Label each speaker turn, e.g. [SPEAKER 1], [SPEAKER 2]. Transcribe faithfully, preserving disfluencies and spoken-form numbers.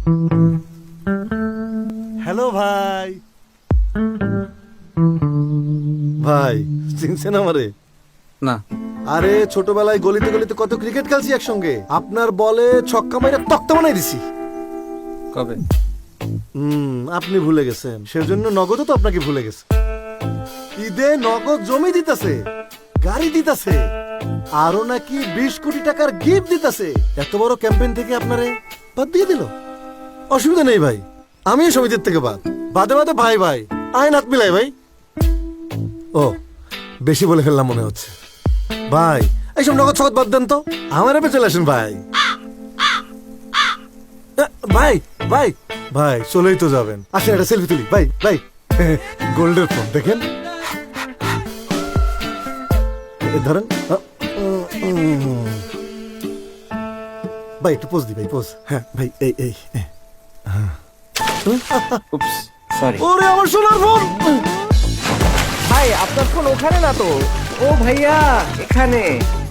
[SPEAKER 1] Hello ভাই। ভাই চিনছেন আমারে?
[SPEAKER 2] না।
[SPEAKER 1] আরে ছোটবেলায় গলিতে গলিতে কত ক্রিকেট খেলছি একসঙ্গে। আপনার বলে ছক্কা মাইরা তক্তা বানাই দিছি।
[SPEAKER 2] কবে?
[SPEAKER 1] হুম, আপনি ভুলে গেছেন। সেজন্য নগদও তো আপনাকে ভুলে গেছে। ঈদে নগদ জমি দিতেছে, গাড়ি দিতেছে, আরো নাকি বিশ কোটি টাকার গিফট দিতেছে। এত বড় ক্যাম্পেইন থেকে আপনারে বাদ দিয়ে দিল। অসুবিধা নেই ভাই, আমি সমিতির থেকে বাদ। বাদে বাদে ভাই ভাই আইন হাত মিলাই ভাই। ও বেশি বলে ফেললাম মনে হচ্ছে। ভাই এইসব নগদ সগদ বাদ দেন তো, আমার এপে চলে আসেন ভাই। ভাই ভাই ভাই চলেই তো যাবেন, আসেন একটা সেলফি তুলি। ভাই ভাই গোল্ডের ফোন দেখেন, ধরেন ভাই একটু পোজ দি ভাই, পোজ। হ্যাঁ ভাই এই এই
[SPEAKER 2] উপস, সরি।
[SPEAKER 1] ওরে আমার সোনার ফোন।
[SPEAKER 3] ভাই আপনার ফোন ওখানে না তো। ও ভাইয়া এখানে।